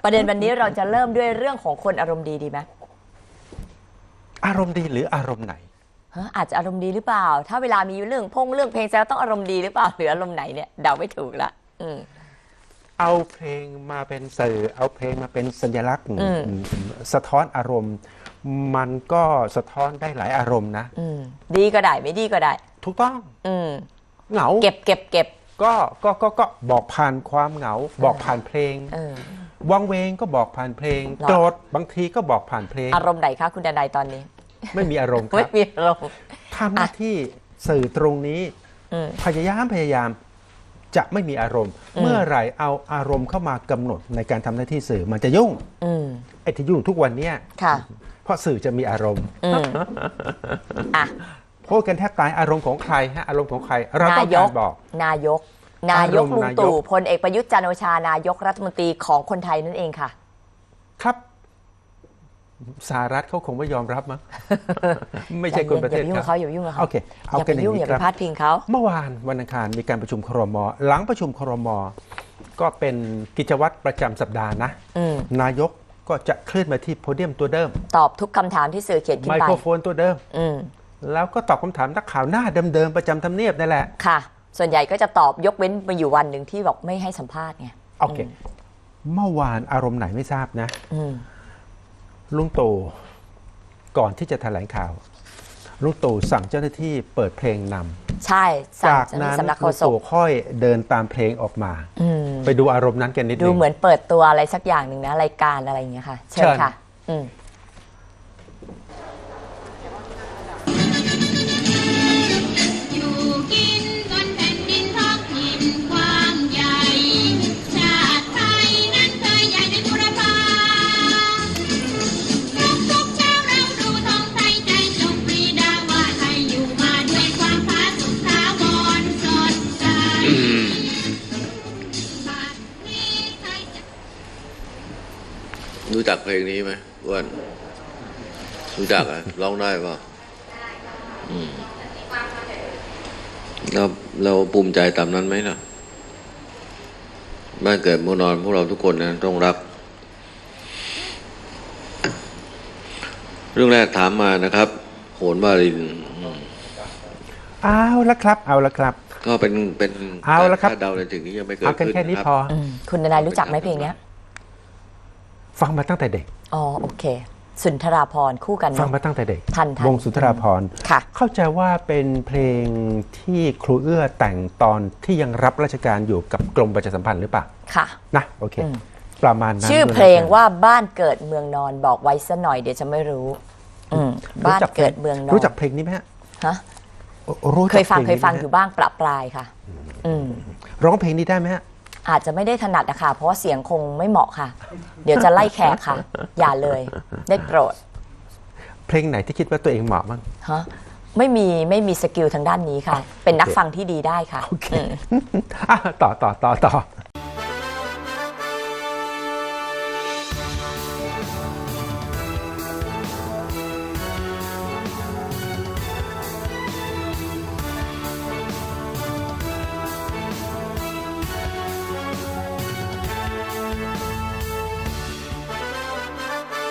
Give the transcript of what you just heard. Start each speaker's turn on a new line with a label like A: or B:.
A: ประเด็นวันนี้เราจะเริ่มด้วยเรื่องของคนอารมณ์ดีดีไหม
B: อารมณ์ดีหรืออารมณ์ไหน
A: อาจจะอารมณ์ดีหรือเปล่าถ้าเวลามีเรื่องเพลงแซวต้องอารมณ์ดีหรือเปล่าหรืออารมณ์ไหนเนี่ยเดาไม่ถูกละ
B: เอาเพลงมาเป็นสื่อเอาเพลงมาเป็นสัญลักษณ์สะท้อนอารมณ์มันก็สะท้อนได้หลายอารมณ์นะ
A: ดีก็ได้ไม่ดีก็ได้
B: ถูกต้องเหงา
A: เก็บ
B: ก็บอกผ่านความเหงาบอกผ่านเพลงวังเวงก็บอกผ่านเพลงโกรธบางทีก็บอกผ่านเพลง
A: อารมณ์ไหนคะคุณดนัยตอนนี้
B: ไม่มีอารมณ์ครับ
A: ไม่มีอารมณ์
B: ทำหน้าที่สื่อตรงนี้พยายามจะไม่มีอารมณ์เมื่อไหร่เอาอารมณ์เข้ามากำหนดในการทำหน้าที่สื่อมันจะยุ่งไอ้ที่ยุ่งทุกวันเนี้ยเพราะสื่อจะมีอารมณ์พูดกันแทบตายอารมณ์ของใครฮะอารมณ์ของใครเราต้องการบอก
A: นายกลุงตู่พลเอกประยุทธ์จันทร์โอชานายกรัฐมนตรีของคนไทยนั่นเองค่ะ
B: ครับสหรัฐเขาคงไม่ยอมรับมั้งไม่ใช่คนประเทศ
A: เขาอย่ายุ่งกับเขา
B: โอเคเอากันอย่าง
A: นี้ครับอย่าไปพาดพิงเขา
B: เมื่อวานวันอังคารมีการประชุมครม.หลังประชุมครม.ก็เป็นกิจวัตรประจำสัปดาห์นะนายกก็จะเคลื่อนมาที่โพเดียมตัวเดิม
A: ตอบทุกคำถามที่สื่อเขียนขึ้นไป
B: ไมโครโฟนตัวเดิมแล้วก็ตอบคำถามนักข่าวหน้าเดิมๆประจำทำเนียบนั่นแหละ
A: ค่ะส่วนใหญ่ก็จะตอบยกเว้นมาอยู่วันหนึ่งที่บอกไม่ให้สัมภาษณ์ไง
B: โอเคเมื่อวานอารมณ์ไหนไม่ทราบนะลุงตู่ก่อนที่จะแถลงข่าวลุงตู่สั่งเจ้าหน้าที่เปิดเพลงน
A: ำใช่
B: จากนั้นลุงตู่ค่อยเดินตามเพลงออกมาไปดูอารมณ์นั้นกันนิดนึง
A: ดูเหมือนเปิดตัวอะไรสักอย่างหนึ่งนะรายการอะไรอย่างเงี้ยค่ะเชิญค่ะ
C: รู้จักเพลงนี้ไหมอ้วนรู้จักอ่ะร้องได้ป่ะเราภูมิใจตามนั้นไหมล่ะบ้านเกิดเมืองนอนพวกเราทุกคนนะต้องรักเรื่องแรกถามมานะครับโหนวาริน
B: เอาละครับ
C: ก็เป็น
B: เอาละครับ
C: เดาในสิ่งนี้ยังไม่เกิด
B: ขึ้นแค่นี้พอ
A: คุณนายรู้จักไหมเพลงนี้
B: ฟังมาตั้งแต่เด็ก
A: โอเคสุนทราภรณ์คู่กัน
B: ฟังมาตั้งแต่เด็ก
A: ทัน
B: วงสุนทราภรณ์เข้าใจว่าเป็นเพลงที่ครูเอื้อแต่งตอนที่ยังรับราชการอยู่กับกรมประชาสัมพันธ์หรือเปล่า
A: ค่ะ
B: นะโอเคประมาณนั้น
A: ชื่อเพลงว่าบ้านเกิดเมืองนอนบอกไว้ซะหน่อยเดี๋ยวจะไม่รู้บ้านเกิดเมืองนอน
B: รู้จักเพลงนี้ไหมฮะ
A: เคยฟังอยู่บ้างประปรายค่ะ
B: ร้องเพลงนี้ได้ไหมฮะ
A: อาจจะไม่ได้ถนัดนะคะเพราะว่าเสียงคงไม่เหมาะค่ะเดี๋ยวจะไล่แขกค่ะอย่าเลยได้โปรด
B: เพลงไหนที่คิดว่าตัวเองเหมาะมั้ง
A: ไม่มีสกิลทางด้านนี้ค่ะเป็นนักฟังที่ดีได้ค่ะ
B: โอเคต่อ